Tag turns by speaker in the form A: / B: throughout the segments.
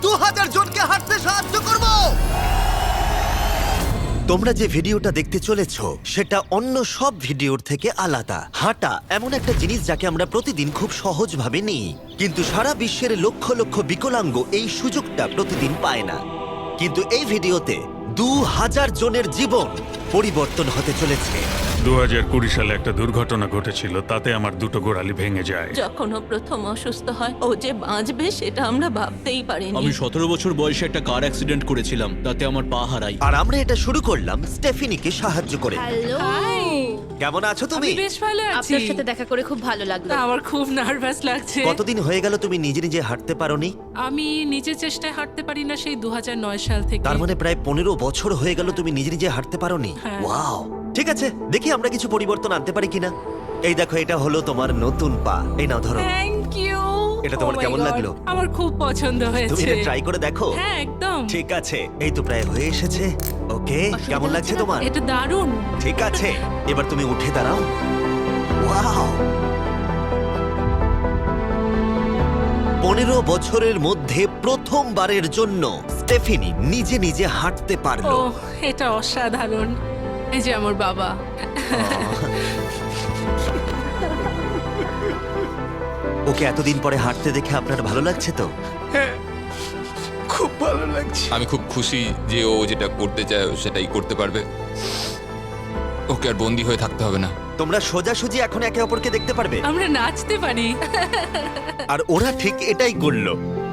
A: 2000 জনকে হাঁটতে সাহায্য করব। তোমরা যে ভিডিওটা দেখতে চলেছো সেটা অন্য সব ভিডিওর থেকে আলাদা। হাঁটা এমন একটা জিনিস যাকে আমরা প্রতিদিন খুব সহজভাবে নিই, কিন্তু সারা বিশ্বের লক্ষ লক্ষ বিকলাঙ্গ এই সুযোগটা প্রতিদিন পায় না। কিন্তু এই ভিডিওতে 2000 জনের জীবন পরিবর্তন হতে চলেছে।
B: 2020 সালে একটা দুর্ঘটনা ঘটেছিল, তাতে আমার দুটো গোড়ালি ভেঙে যায়।
C: যখন ও প্রথম অসুস্থ হয়, ও যে বাঁচবে সেটা আমরা ভাবতেই পারিনি।
D: আমি 17 বছর বয়সে একটা কার অ্যাক্সিডেন্ট করেছিলাম, তাতে আমার পা হারাই।
A: আর আমরা এটা শুরু করলাম স্টেফিনিকে সাহায্য করে।
E: হ্যালো,
A: কেমন আছো তুমি?
F: বেশ ভালো আছি।
E: আপনার সাথে দেখা করে খুব ভালো লাগলো।
F: আমার খুব নার্ভাস লাগছে।
A: কতদিন হয়ে গেল তুমি নিজে নিজে হাঁটতে পারোনি?
F: আমি নিজের চেষ্টায় হাঁটতে পারি না সেই 2009 সাল থেকে।
A: তার মানে প্রায় 15 বছর হয়ে গেল তুমি নিজে নিজে হাঁটতে পারোনি।
F: হ্যাঁ।
A: ওয়াও, ঠিক আছে, দেখি আমরা কিছু পরিবর্তন আনতে পারি কিনা। এই দেখো, এটা হলো তোমার নতুন পা। এই নাও, ধরো।
F: Thank you.
A: এটা তোমার কেমন লাগলো?
F: আমার খুব পছন্দ
A: তুমি
F: হয়েছে।
A: এটা ট্রাই করে দেখো।
F: হ্যাঁ, একদম।
A: ঠিক আছে, এই তো প্রায় হয়ে এসেছে। ওকে, কেমন লাগছে তোমার?
F: এটা দারুণ।
A: ঠিক আছে, এবার তুমি উঠে দাঁড়াও। ওয়াও, 15 বছরের মধ্যে প্রথমবারের জন্য স্টেফিনি নিজে নিজে হাঁটতে
F: ও,
A: পারলো।
F: এটা অসাধারণ। এই যে আমার বাবা।
A: ওকে এতদিন পরে হাঁটতে দেখে আপনার ভালো লাগছে তো?
G: আমি খুব খুশি যে ও যেটা করতে চায় ও সেটাই করতে পারবে। ওকে আর বন্দি হয়ে থাকতে হবে না।
A: তোমরা সোজাসুজি এখন একে অপরকে দেখতে পারবে।
F: আমরা নাচতে পারি।
A: আর ওরা ঠিক এটাই করল।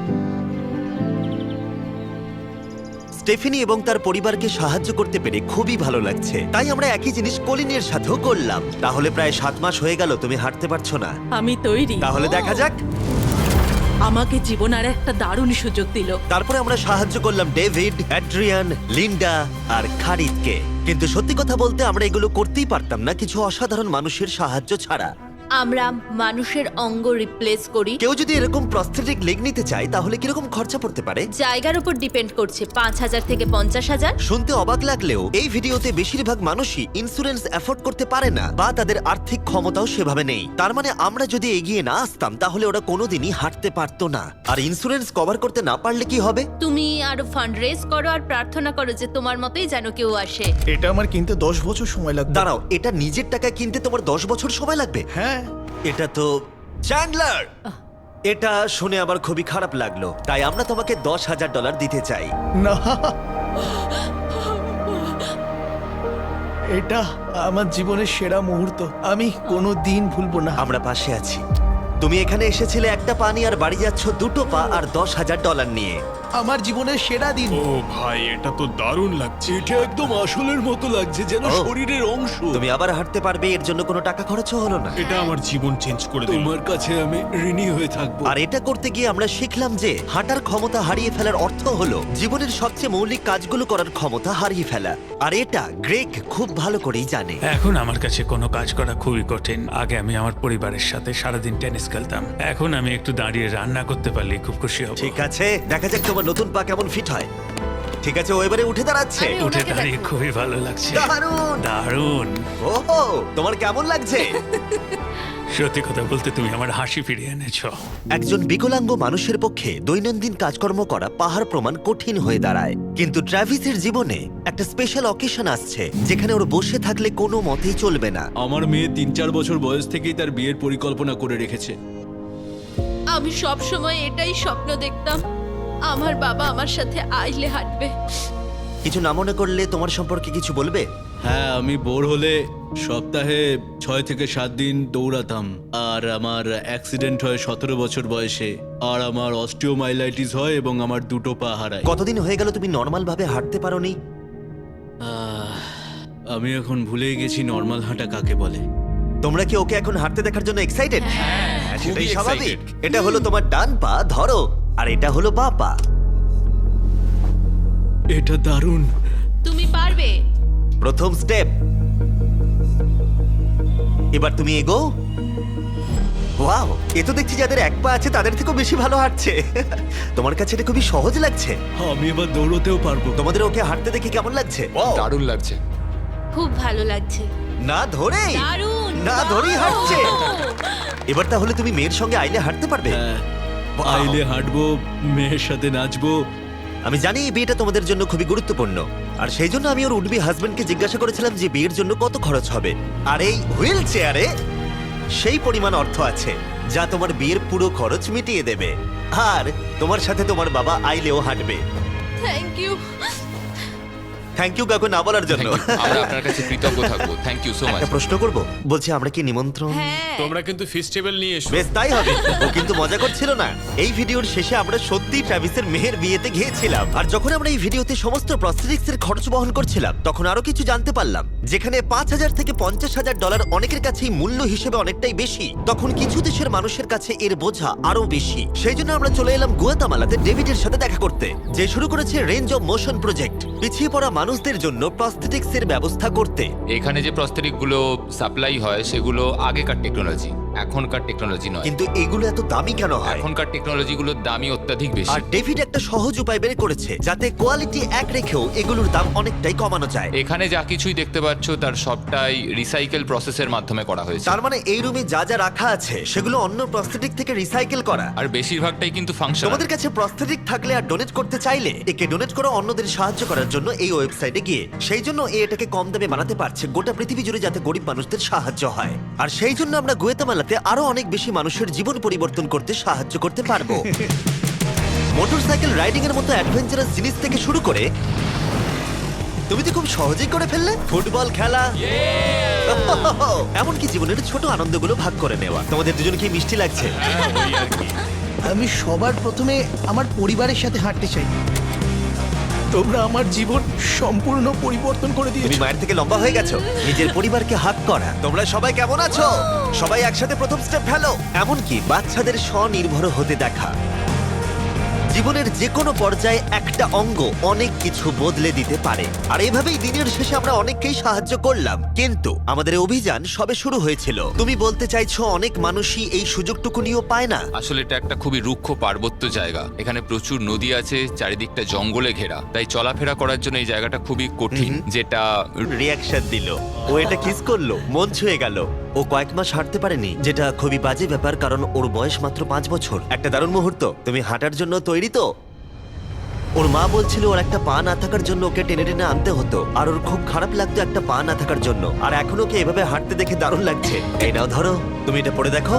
A: স্টেফিনি এবং তার পরিবারকে সাহায্য করতে পেরে খুবই ভালো লাগছে। তাই আমরা একই জিনিস কলিনের সাথেও করলাম। তাহলে প্রায় 7 মাস হয়ে গেল তুমি হাঁটতে পারছো না।
C: আমি তৈরি।
A: তাহলে দেখা যাক।
C: আমাকে জীবন আর একটা দারুণ সুযোগ দিল।
A: তারপরে আমরা সাহায্য করলাম ডেভিড, অ্যাড্রিয়ান, লিন্ডা আর খারিদকে। কিন্তু সত্যি কথা বলতে আমরা এগুলো করতেই পারতাম না কিছু অসাধারণ মানুষের সাহায্য ছাড়া।
E: আমরা মানুষের অঙ্গ রিপ্লেস করি।
A: কেউ যদি এরকম প্রস্থেটিক লেগ নিতে চায় তাহলে কিরকম খরচা পড়তে পারে?
E: জায়গার উপর ডিপেন্ড করছে, 5,000 থেকে 50,000।
A: শুনতে অবাক লাগলেও এই ভিডিওতে বেশিরভাগ মানুষই ইন্স্যুরেন্স অ্যাফোর্ড করতে পারে না বা তাদের আর্থিক ক্ষমতাও সেভাবে নেই। তার মানে আমরা যদি এগিয়ে না আসতাম তাহলে ওরা কোনোদিনই হাঁটতে পারতো না। আর ইন্স্যুরেন্স কভার করতে না পারলে কি হবে?
E: তুমি আরো ফান্ড রেজ করো আর প্রার্থনা করো যে তোমার মতোই যেন কেউ আসে।
H: এটা আমার কিনতে 10 বছর সময় লাগবে।
A: দাঁড়াও, এটা নিজের টাকায় কিনতে তোমার 10 বছর সময় লাগবে?
H: হ্যাঁ,
A: এটা তো চ্যান্ডলার! এটা শুনে আবার খুবই খারাপ লাগলো। তাই আমরা তোমাকে $10,000 দিতে চাই।
H: না, এটা আমার জীবনের সেরা মুহূর্ত। আমি কোনো দিন ভুলবো না।
A: আমরা পাশে আছি। তুমি এখানে এসেছিলে একটা পা নিয়ে আর বাড়ি যাচ্ছ দুটো পা আর $10,000 নিয়ে।
H: আমার জীবনের সেরা দিন।
B: ও ভাই, এটা তো দারুণ লাগছে।
D: এটা একদম আসলের মতো লাগছে, যেন
A: ও।
D: শরীরের অংশ।
A: তুমি আবার হাঁটতে পারবে, এর জন্য কোনো টাকা খরচও হলো না।
B: এটা আমার জীবন চেঞ্জ করে দিল।
D: তোমার কাছে আমি ঋণী হয়ে থাকবো।
A: আর এটা করতে গিয়ে আমরা শিখলাম যে হাঁটার ক্ষমতা হারিয়ে ফেলার অর্থ হলো জীবনের সবচেয়ে মৌলিক কাজগুলো করার ক্ষমতা হারিয়ে ফেলা। আর এটা গ্রেগ খুব ভালো করেই জানে।
B: এখন আমার কাছে কোনো কাজ করা খুবই কঠিন। আগে আমি আমার পরিবারের সাথে সারাদিন টেনিস খেলতাম, এখন আমি একটু দাঁড়িয়ে রান্না করতে পারলে খুব খুশি হব।
A: ঠিক আছে, দেখা যাক তোমার নতুন পা কেমন ফিট হয়। ঠিক আছে, ও এবারে উঠে দাঁড়াচ্ছে।
E: আরে,
B: উঠে
E: ওনাকে
B: দাঁড়িয়ে
E: দেখো।
B: খুবই ভালো লাগছে।
A: দারুণ!
B: দারুণ।
A: ওহো, তোমার কেমন লাগছে?
B: সত্যি কথা বলতে তুমি আমার হাসি ফিরিয়ে এনেছো।
A: একজন বিকলাঙ্গ মানুষের পক্ষে দৈনন্দিন কাজকর্ম করা পাহাড় প্রমাণ কঠিন হয়ে দাঁড়ায়। কিন্তু ট্রাভিসের জীবনে একটা স্পেশাল অকেশন আসছে যেখানে ওর বসে থাকলে কোনো মতেই চলবে না।
D: আমার মেয়ে 3-4 বছর বয়স থেকেই তার বিয়ের পরিকল্পনা করে রেখেছে।
E: আমি সব সময় এটাই স্বপ্ন দেখতাম, আমার বাবা আমার সাথে আইলে হাঁটবে।
A: কিছু না মনে করলে তোমার সম্পর্কে কিছু বলবে?
D: হ্যাঁ, আমি বোর হলে সপ্তাহে 6 থেকে 7 দিন দৌড়াতাম। আর আমার অ্যাক্সিডেন্ট হয় 17 বছর বয়সে। আর আমার অস্টিওমাইলাইটিস হয় এবং আমার দুটো পা হারায়।
A: কতদিন হয়ে গেল তুমি নর্মাল ভাবে হাঁটতে পারোনি?
D: আমি এখন ভুলেই গেছি নর্মাল হাঁটা কাকে বলে।
A: তোমরা কি ওকে এখন হাঁটতে দেখার জন্য এক্সাইটেড? সেটাই
G: খুবই
A: স্বাভাবিক।
G: excited।
A: এটা হলো তোমার ডান পা, ধরো, আর এটা হলো বাঁ পা।
D: এটা দারুণ।
E: তুমি পারবে।
A: প্রথম স্টেপ। এবার তুমি এগো। ওয়াও, এ তো দেখছি যাদের এক পা আছে তাদের থেকেও বেশি ভালো হাঁটছে। তোমার কাছে এটা খুবই সহজ লাগছে।
D: আমি এবার দৌড়তেও পারবো।
A: তোমাদের ওকে হাঁটতে দেখে কেমন লাগছে?
G: দারুণ লাগছে।
E: খুব ভালো লাগছে।
A: না ধরেই
E: দারুণ!
A: না ধরেই হাঁটছে।
E: Wow!
A: এবার তাহলে তুমি মেয়ের সঙ্গে আইলে হাঁটতে পারবে?
D: হ্যাঁ,
A: Wow!
D: আইলে হাঁটবো, মেয়ের সাথে নাচবো।
A: আমি জানি এই বিয়েটা তোমাদের জন্য খুবই গুরুত্বপূর্ণ, আর সেই জন্য আমি ওর উডবি হাজবেন্ডকে জিজ্ঞাসা করেছিলাম যে বিয়ের জন্য কত খরচ হবে। আর এই হুইল চেয়ারে সেই পরিমাণ অর্থ আছে যা তোমার বিয়ের পুরো খরচ মিটিয়ে দেবে। আর তোমার সাথে তোমার বাবা আইলেও হাঁটবে।
E: Thank you.
A: থ্যাংক ইউ কাকু না বলার জন্য।
G: আমরা আপনার কাছে কৃতজ্ঞ থাকবো, থ্যাংক ইউ সো মাচ।
A: একটা প্রশ্ন করব, বলছি আমরা কি নিমন্ত্রণ?
E: হ্যাঁ,
I: তোমরা কিন্তু ফেস্টিভ্যাল নিয়ে এসো।
A: বেশ তাই হবে। ও কিন্তু মজা করছিল না। এই ভিডিওর শেষে আমরা সত্যি ট্রাভিসের মেহের বিয়েতে গিয়েছিলাম, আর যখন আমরা এই ভিডিওতে সমস্ত প্রস্থেটিক্স এর খরচ বহন করছিলাম তখন আরো কিছু জানতে পারলাম। যেখানে $5,000 থেকে $50,000 অনেকের কাছেই মূল্য হিসেবে অনেকটাই বেশি, তখন কিছু দেশের মানুষের কাছে এর বোঝা আরো বেশি। সেই জন্য আমরা চলে এলাম গুয়াতামালাতে ডেভিডের সাথে দেখা করতে, যে শুরু করেছে রেঞ্জ অফ মোশন প্রজেক্ট, পিছিয়ে পড়া মানুষদের জন্য প্রস্থেটিক্স এর ব্যবস্থা করতে।
G: এখানে যে প্রস্তরিক গুলো সাপ্লাই হয় সেগুলো আগেকার টেকনোলজি, এখনকার টেকনোলজি নয়।
A: কিন্তু এগুলো এত দামি কেন হয়?
G: এখনকার টেকনোলজি গুলোর দামই অত্যাধিক বেশি।
A: আর ডেভিড একটা সহজ উপায় বের করেছে যাতে কোয়ালিটি এক রেখেও এগুলোর দাম অনেকটাই কমানো যায়।
G: এখানে যা কিছুই দেখতে পাচ্ছ তার সবটাই রিসাইকেল প্রসেসের মাধ্যমে করা হয়েছে।
A: তার মানে এই রুমে যা যা রাখা আছে সেগুলো অন্য প্রস্থেটিক থেকে রিসাইকেল করা।
G: আর বেশিরভাগটাই কিন্তু ফাংশনাল।
A: তোমাদের কাছে প্রস্থেটিক থাকলে আর ডোনেট করতে চাইলে একে ডোনেট করো অন্যদের সাহায্য করার জন্য এই ওয়েবসাইটে গিয়ে। সেই জন্য এটাকে কম দামে বানাতে পারছে গোটা পৃথিবী জুড়ে যাতে গরিব মানুষদের সাহায্য হয়। আর সেই জন্য আমরা গুয়াতামালাতে আরো অনেক বেশি মানুষের জীবন পরিবর্তন করতে সাহায্য করতে পারবো। মোটরসাইকেল রাইডিং এর মতো অ্যাডভেঞ্চারাস জিনিস থেকে শুরু করে তুমি তো খুব সহজেই করে ফেললে ফুটবল খেলা, এমনকি জীবনের ছোট আনন্দগুলো ভাগ করে নেওয়া। তোমাদের দুজনকে মিষ্টি লাগছে?
H: আমি সবার প্রথমে আমার পরিবারের সাথে হাঁটতে চাই। তোমরা আমার জীবন সম্পূর্ণ পরিবর্তন করে
A: তুমি
H: দিয়েছো।
A: মায়ের থেকে লম্বা হয়ে গেছো। নিজের পরিবারকে হাত করা। তোমরা সবাই কেমন আছো? সবাই একসাথে প্রথম স্টেপ ফেলো। এমনকি বাচ্চাদের স্বনির্ভর হতে দেখা। জীবনের যে কোনো পর্যায়ে একটা অঙ্গ অনেক কিছু বদলে দিতে পারে। আর এভাবেই দিনের শেষে আমরা অনেককেই সাহায্য করলাম, কিন্তু আমাদের অভিযান সবে শুরু হয়েছিল। তুমি বলতে চাইছো অনেক মানুষই এই সুযোগটুকু নিয়েও পায় না?
G: আসলে এটা একটা খুবই রুক্ষ পার্বত্য জায়গা। এখানে প্রচুর নদী আছে, চারিদিকটা জঙ্গলে ঘেরা, তাই চলাফেরা করার জন্য এই জায়গাটা খুবই কঠিন। যেটা
A: রিয়াকশন দিল, ও এটা কিস করলো, মন ছুঁয়ে গেল। ও কয়েক মাস হাঁটতে পারেনি, যেটা খুবই বাজে ব্যাপার, কারণ ওর বয়স মাত্র 5 বছর। একটা দারুণ মুহূর্ত। তুমি হাঁটার জন্য তৈরি তো? ওর মা বলছিল ওর একটা পা না থাকার জন্য ওকে টেনে টেনে আনতে হতো, আর ওর খুব খারাপ লাগতো একটা পা না থাকার জন্য। আর এখন ওকে এভাবে হাঁটতে দেখে দারুণ লাগছে। এই নাও ধরো, তুমি এটা পরে দেখো।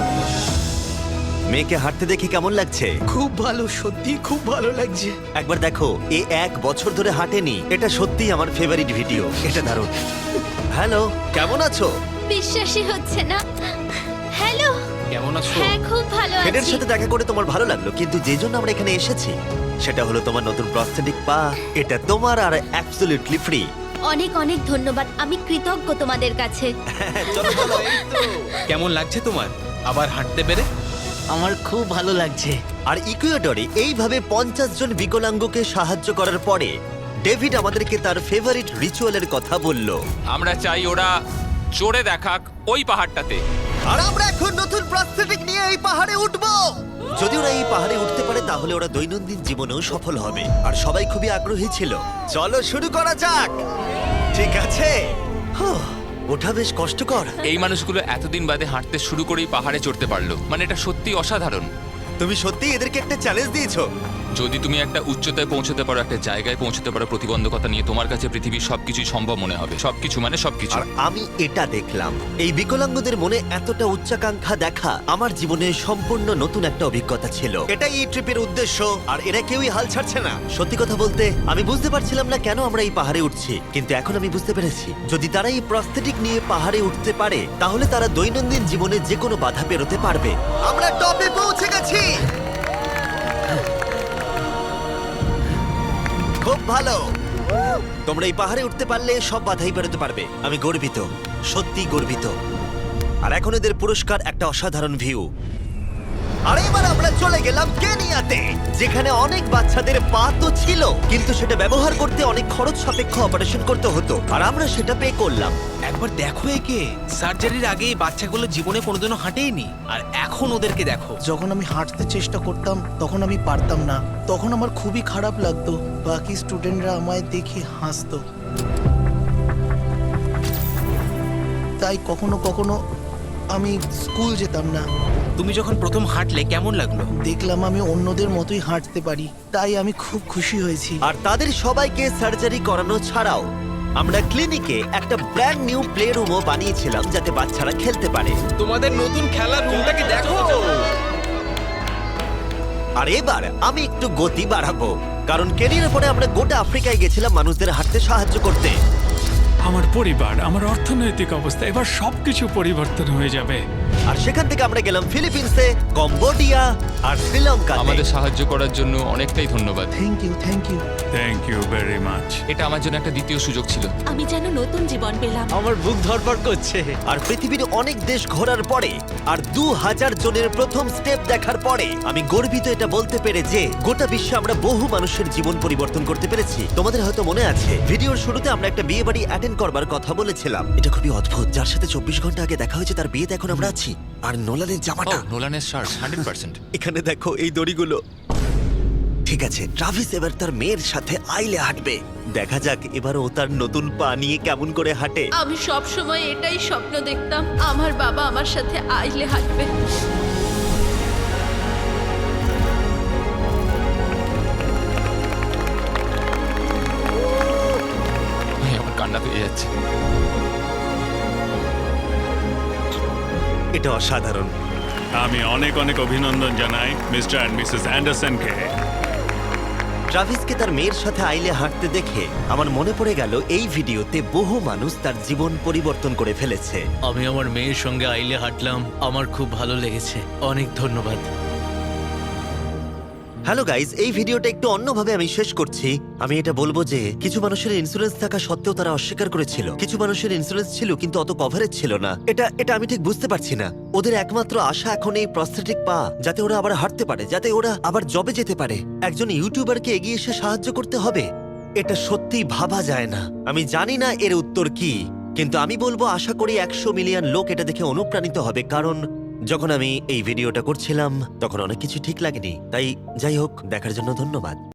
A: মেয়েকে হাঁটতে দেখে কেমন লাগছে?
H: খুব ভালো, সত্যি খুব ভালো লাগছে।
A: একবার দেখো, এ 1 বছর ধরে হাঁটেনি। এটা সত্যিই আমার ফেভারিট ভিডিও। এটা দারুণ। হ্যালো, কেমন আছো?
E: বিশ্বাসই হচ্ছে না। হ্যালো,
I: কেমন আছো?
E: হ্যাঁ খুব ভালো
A: ফেডের
E: আছি।
A: সাথে দেখা করে তোমার ভালো লাগলো, কিন্তু যে জন্য আমরা এখানে এসেছি সেটা হলো তোমার নতুন প্রস্থেটিক পা। এটা তোমার আর অ্যাবসলিউটলি ফ্রি।
E: অনেক অনেক ধন্যবাদ, আমি কৃতজ্ঞ তোমাদের কাছে।
A: চলো চলো।
I: কেমন লাগছে তোমার আবার হাঁটতে পেরে?
H: আমার খুব ভালো লাগছে।
A: আর ইকুয়েডরে এইভাবে 50 জন বিকলাঙ্গকে সাহায্য করার পরে ডেভিড আমাদেরকে তার ফেভারিট রিচুয়ালের কথা বলল।
G: আমরা চাই ওরা চড়ে দেখাক ওই পাহাড়টাতে।
A: আর আমরা এখন নতুন প্রস্থেটিক নিয়ে এই পাহাড়ে উঠবো। যদি ওরা এই পাহাড়ে উঠতে পারে তাহলে ওরা দৈনন্দিন জীবনেও সফল হবে। আর সবাই খুবই আগ্রহী ছিল। চলো শুরু করা যাক। ঠিক আছে। হুঁ, ওঠা বেশ কষ্টকর।
G: এই মানুষগুলো এতদিন বাদে হাঁটতে শুরু করেই পাহাড়ে চড়তে পারলো, মানে এটা সত্যি অসাধারণ।
A: তুমি সত্যি এদেরকে একটা চ্যালেঞ্জ দিয়েছো।
G: যদি তুমি একটা উচ্চতায় পৌঁছতে পারো, একটা জায়গায় পৌঁছতে পারো প্রতিবন্ধকতা নিয়ে, তোমার কাছে পৃথিবীর সবকিছুই সম্ভব মনে হবে। সবকিছু মানে সবকিছু।
A: আর আমি এটা দেখলাম, এই বিকলাঙ্গদের মনে এতটা উচ্চাকাঙ্ক্ষা দেখা আমার জীবনে সম্পূর্ণ নতুন একটা অভিজ্ঞতা ছিল। এটাই এই ট্রিপের উদ্দেশ্য, আর এরা কেউই হাল ছাড়ছে না। সত্যি কথা বলতে আমি বুঝতে পারছিলাম না কেন আমরা এই পাহাড়ে উঠছি, কিন্তু এখন আমি বুঝতে পেরেছি যদি তারা এই প্রস্থেটিক নিয়ে পাহাড়ে উঠতে পারে তাহলে তারা দৈনন্দিন জীবনে যে কোনো বাধা পেরোতে পারবে। আমরা টপে পৌঁছে গেছি। খুব ভালো। তোমরা এই পাহাড়ে উঠতে পারলে সব বাধাই বেরোতে পারবে। আমি গর্বিত, সত্যি গর্বিত। আর এখন এদের পুরস্কার একটা অসাধারণ ভিউ। আর এবার আমরা চলে গেলাম কেনিয়াতে, যেখানে অনেক বাচ্চাদের পা তো ছিল, কিন্তু সেটা ব্যবহার করতে অনেক খরচ সাপেক্ষ অপারেশন করতে হতো, আর আমরা সেটা পে করলাম।
I: একবার দেখো একে, সার্জারির আগে এই বাচ্চাগুলো জীবনে কোনোদিনও হাঁটেইনি, আর এখন ওদেরকে দেখো।
H: যখন আমি হাঁটতে চেষ্টা করতাম তখন আমি পারতাম না, তখন আমার খুবই খারাপ লাগতো। বাকি স্টুডেন্টরা আমায় দেখে হাসতো, তাই কখনো কখনো আমি স্কুল যেতাম না।
I: তুমি যখন প্রথম হাঁটলে কেমন লাগলো?
H: দেখলাম আমি অন্যদের মতোই হাঁটতে পারি, তাই আমি খুব খুশি হয়েছি।
A: আর তাদের সবাইকে সার্জারি করানো ছাড়াও আমরা ক্লিনিকে একটা ব্র্যান্ড নিউ প্লে রুমও বানিয়েছিলাম যাতে বাচ্চারা খেলতে পারে।
I: তোমাদের নতুন খেলার রুমটাকে দেখো।
A: আর এবার আমি একটু গতি বাড়াবো, কারণ কেরিয়ার পরে আমরা গোটা আফ্রিকায় গেছিলাম মানুষদের হাঁটতে সাহায্য করতে।
B: আমার পরিবার, আমার অর্থনৈতিক অবস্থা, এবার সবকিছু পরিবর্তন হয়ে যাবে।
A: আর সেখান থেকে আমরা গেলাম ফিলিপিন্সে, কম্বোডিয়া আর শ্রীলঙ্কা।
G: আমাদের সাহায্য করার জন্য অনেকটাই ধন্যবাদ।
H: Thank you, thank you.
B: Thank you very much.
G: এটা আমার জন্য একটা দ্বিতীয় সুযোগ ছিল।
C: আমি যেন নতুন জীবন পেলাম।
D: আমার বুক ধরপড় করছে।
A: আর পৃথিবীর অনেক দেশ ঘোরার পরে আর 2000 জনের প্রথম স্টেপ দেখার পরে আমি গর্বিত এটা বলতে পেরে যে গোটা বিশ্বে আমরা বহু মানুষের জীবন পরিবর্তন করতে পেরেছি। তোমাদের হয়তো মনে আছে ভিডিওর শুরুতে আমরা একটা বিয়ে বাড়ি অ্যাটেন্ড করবার কথা বলেছিলাম। এটা খুবই অদ্ভুত, যার সাথে 24 ঘন্টা আগে দেখা হয়েছে তার বিয়েতে এখন আমরা আছি। আর নোলানের জামাটা
G: নোলানের শার্ট 100%।
A: এখানে দেখো, এই দড়িগুলো। ঠিক আছে, ট্রাভিস এবার তার মেয়ের সাথে আইলে হাঁটবে। দেখা যাক এবার ও তার নতুন পা নিয়ে কেমন করে হাঁটে।
E: আমি সব সময় এটাই স্বপ্ন দেখতাম, আমার বাবা আমার সাথে আইলে হাঁটবে।
G: আমার কান্না পেয়ে যাচ্ছে।
A: এটা অসাধারণ।
B: আমি অনেক অনেক অভিনন্দন জানাই মিস্টার অ্যান্ড মিসেস অ্যান্ডারসনকে।
A: ট্রাভিসকে তার মেয়ের সাথে আইলে হাঁটতে দেখে আমার মনে পড়ে গেল এই ভিডিওতে বহু মানুষ তার জীবন পরিবর্তন করে ফেলেছে।
D: আমি আমার মেয়ের সঙ্গে আইলে হাঁটলাম, আমার খুব ভালো লেগেছে। অনেক ধন্যবাদ।
A: হ্যালো গাইজ, এই ভিডিওটা একটু অন্যভাবে আমি শেষ করছি। আমি এটা বলবো যে কিছু মানুষের ইন্স্যুরেন্স থাকা সত্ত্বেও তারা অস্বীকার করেছিল। কিছু মানুষের ইন্স্যুরেন্স ছিল কিন্তু অত কভারেজ ছিল না। এটা আমি ঠিক বুঝতে পারছি না। ওদের একমাত্র আশা এখন এই প্রস্থেটিক পা, যাতে ওরা আবার হাঁটতে পারে, যাতে ওরা আবার জবে যেতে পারে। একজন ইউটিউবারকে এগিয়ে এসে সাহায্য করতে হবে, এটা সত্যিই ভাবা যায় না। আমি জানি না এর উত্তর কি, কিন্তু আমি বলবো আশা করি 100 মিলিয়ন লোক এটা দেখে অনুপ্রাণিত হবে। কারণ যখন আমি এই ভিডিওটা করছিলাম তখন অনেক কিছু ঠিক লাগেনি। তাই যাই হোক, দেখার জন্য ধন্যবাদ।